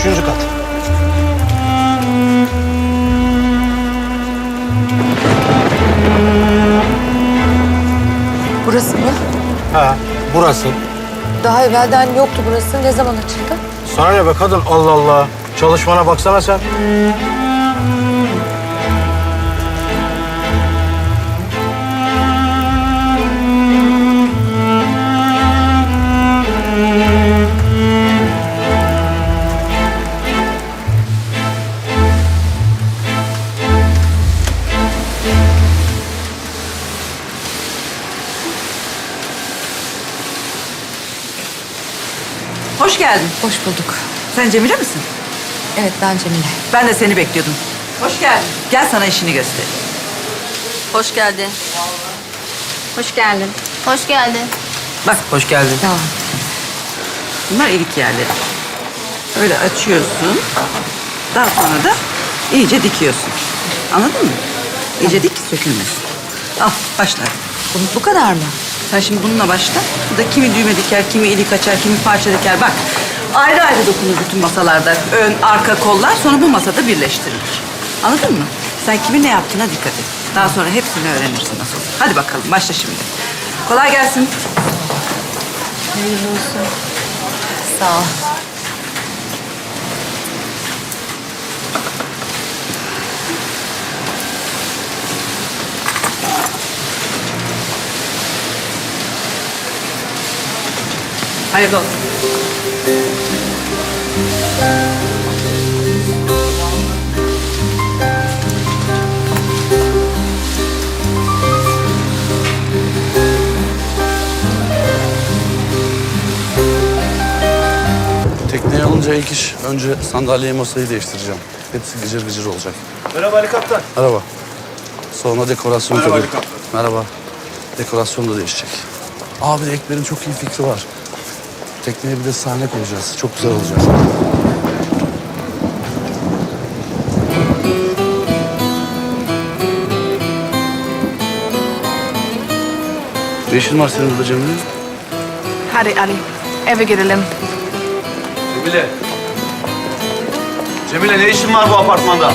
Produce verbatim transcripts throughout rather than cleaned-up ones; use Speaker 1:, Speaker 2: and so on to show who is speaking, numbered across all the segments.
Speaker 1: Üçüncü kat.
Speaker 2: Burası mı?
Speaker 1: Ha, burası.
Speaker 2: Daha evvelden yoktu burası. Ne zaman açıldı?
Speaker 1: Sana ne be kadın? Allah Allah. Çalışmana baksana sen.
Speaker 3: Hoş geldin.
Speaker 2: Hoş bulduk.
Speaker 3: Sen Cemile misin?
Speaker 2: Evet, ben Cemile.
Speaker 3: Ben de seni bekliyordum. Hoş geldin. Gel sana işini göstereyim.
Speaker 4: Hoş geldin.
Speaker 5: Hoş geldin.
Speaker 4: Hoş geldin.
Speaker 3: Bak hoş geldin.
Speaker 2: Sağ ol.
Speaker 3: Bunlar ilik yerleri. Öyle açıyorsun. Daha sonra da iyice dikiyorsun. Anladın mı? İyice dik ki sökülmesin. Al başla.
Speaker 2: Bu, bu kadar mı?
Speaker 3: Sen şimdi bununla başla. Bu da kimi düğme diker, kimi ilik açar, kimi parça diker. Bak ayrı ayrı dokunur bütün masalarda. Ön, arka, kollar sonra bu masada birleştirilir. Anladın mı? Sen kimin ne yaptığına dikkat et. Daha sonra hepsini öğrenirsin nasıl olur. Hadi bakalım başla şimdi. Kolay gelsin.
Speaker 2: Hayırlı olsun. Sağ ol.
Speaker 3: Hayırlı olsun.
Speaker 6: Tekneye alınca ilk iş önce sandalyeyi masayı değiştireceğim. Hepsi gıcır gıcır olacak.
Speaker 1: Merhaba Ali Kaptan.
Speaker 6: Merhaba. Sonra dekorasyon
Speaker 1: Merhaba
Speaker 6: tabii.
Speaker 1: Ali Kaptan.
Speaker 6: Merhaba. Dekorasyon da değişecek. Abi Ekber'in çok iyi fikri var. Tekneye bir de sahne koyacağız. Çok güzel olacak. Ne işin var senin burada Cemile?
Speaker 5: Hadi Ali, eve gidelim.
Speaker 7: Cemile. Cemile ne işin var bu apartmanda?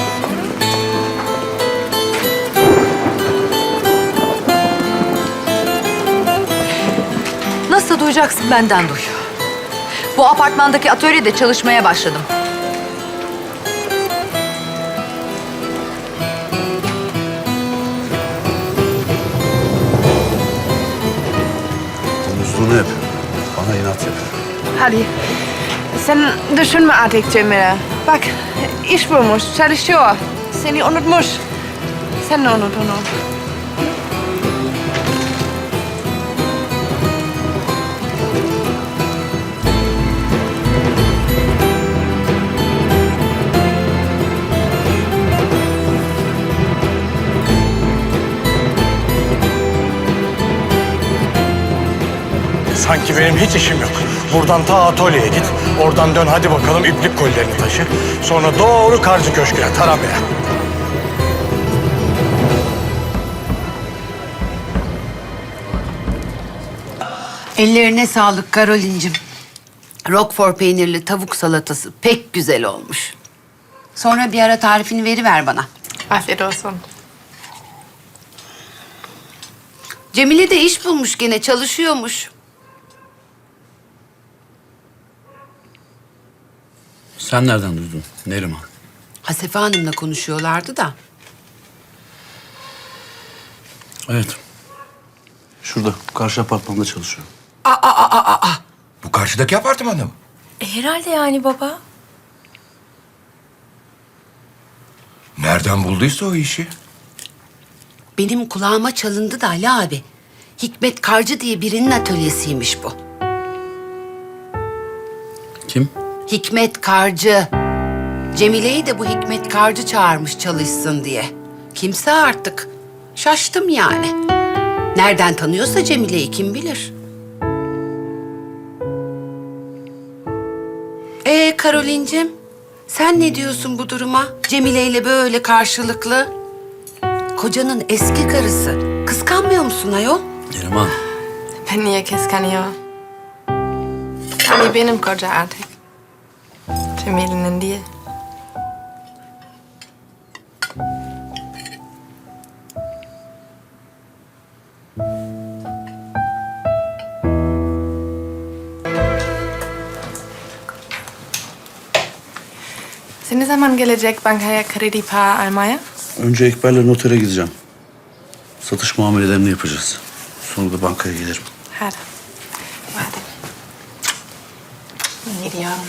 Speaker 2: Nasıl duyacaksın benden duy. Bu apartmandaki atölyede çalışmaya başladım.
Speaker 6: Domuzluğunu yapıyor. Bana inat yapıyor.
Speaker 5: Hadi, sen düşünme artık Cemile. Bak, iş bulmuş, çalışıyor. Seni unutmuş. Sen de unut onu.
Speaker 1: Sanki benim hiç işim yok. Buradan ta atölyeye git. Oradan dön hadi bakalım iplik kolilerini taşı. Sonra doğru Karcı Köşkü'ne, Tarabya.
Speaker 8: Ellerine sağlık Karolin'cim. Roquefort peynirli tavuk salatası pek güzel olmuş. Sonra bir ara tarifini veriver bana.
Speaker 5: Afiyet olsun.
Speaker 8: Cemile de iş bulmuş gene, çalışıyormuş.
Speaker 6: Sen nereden duydun Neriman?
Speaker 8: Hasefe Hanım'la konuşuyorlardı da.
Speaker 6: Evet. Şurada karşı apartmanda çalışıyor.
Speaker 9: Bu karşıdaki apartmanda mı?
Speaker 4: E, herhalde yani baba.
Speaker 9: Nereden bulduysa o işi?
Speaker 8: Benim kulağıma çalındı da Ali abi. Hikmet Karcı diye birinin atölyesiymiş bu.
Speaker 6: Kim?
Speaker 8: Hikmet Karcı. Cemile'yi de bu Hikmet Karcı çağırmış çalışsın diye. Kimse artık. Şaştım yani. Nereden tanıyorsa Cemile'yi kim bilir. Ee Karolin'cim, sen ne diyorsun bu duruma? Cemile ile böyle karşılıklı. Kocanın eski karısı. Kıskanmıyor musun ayol?
Speaker 6: Neriman.
Speaker 5: Ben niye kıskanıyor? Ali benim koca artık. Cemile'nin diye. Sen ne zaman gelecek bankaya kredi para almaya?
Speaker 6: Önce Ekber'le notere gideceğim. Satış muamelelerini yapacağız. Sonra da bankaya gelirim.
Speaker 5: Hadi. Hadi. Gidiyorum.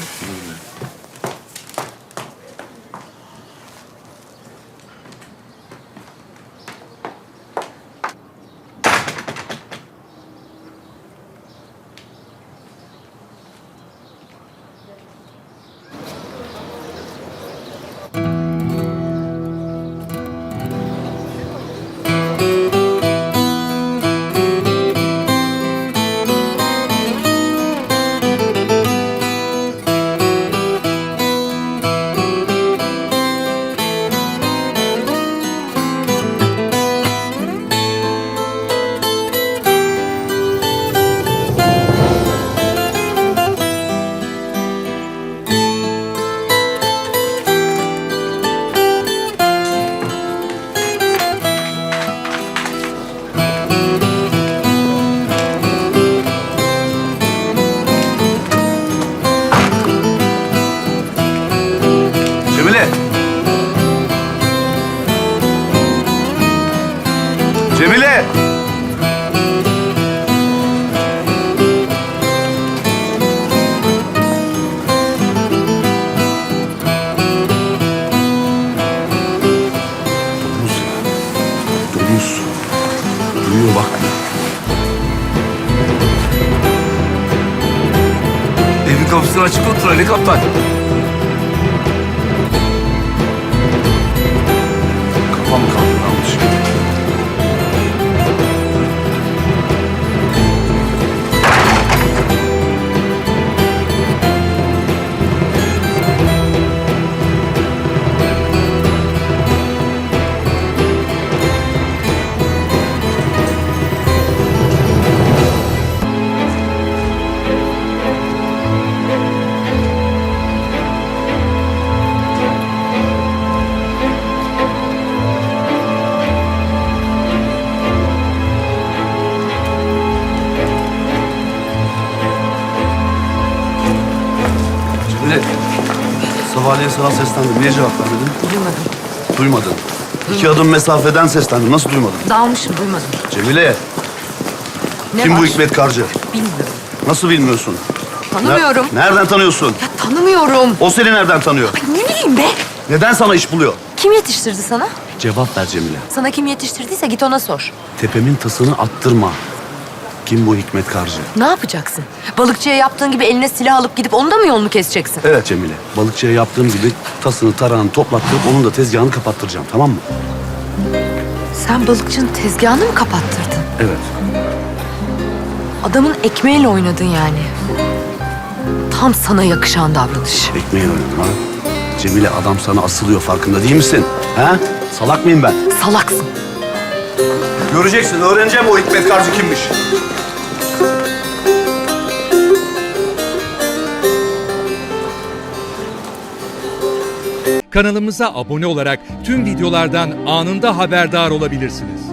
Speaker 6: Cemile! Cemile! Domuz ya. Domuz. Duyuyor bak.
Speaker 7: Evin kapısını açık otur Ali Kaptan.
Speaker 6: Kafam kaldırılmış. Cemile, sabahleyin sana seslendim. Niye cevap vermedin?
Speaker 2: Duymadım.
Speaker 6: Duymadın. İki adım mesafeden seslendim. Nasıl duymadın?
Speaker 2: Dalmışım, duymadım.
Speaker 6: Cemile,
Speaker 2: Ne
Speaker 6: kim
Speaker 2: var?
Speaker 6: bu Hikmet Karcı?
Speaker 2: Bilmiyorum.
Speaker 6: Nasıl bilmiyorsun?
Speaker 2: Tanımıyorum.
Speaker 6: Ne- nereden tanıyorsun?
Speaker 2: Ya tanımıyorum.
Speaker 6: O seni nereden tanıyor?
Speaker 2: Ne bileyim be?
Speaker 6: Neden sana iş buluyor?
Speaker 2: Kim yetiştirdi sana?
Speaker 6: Cevap ver Cemile.
Speaker 2: Sana kim yetiştirdiyse git ona sor.
Speaker 6: Tepemin tasını attırma. Kim bu Hikmet Karcı?
Speaker 2: Ne yapacaksın? Balıkçıya yaptığın gibi eline silah alıp gidip onun da mı yolunu keseceksin?
Speaker 6: Evet Cemile. Balıkçıya yaptığım gibi tasını tarağını toplattırıp onun da tezgahını kapattıracağım. Tamam mı?
Speaker 2: Sen balıkçının tezgahını mı kapattırdın?
Speaker 6: Evet.
Speaker 2: Adamın ekmeğiyle oynadın yani. Tam sana yakışan davranış.
Speaker 6: Ekmeği oynadım ha. Cemile adam sana asılıyor farkında değil misin? Ha? Salak mıyım ben?
Speaker 2: Salaksın.
Speaker 6: Göreceksin, öğreneceğim o Hikmet Karcı kimmiş.
Speaker 10: Kanalımıza abone olarak tüm videolardan anında haberdar olabilirsiniz.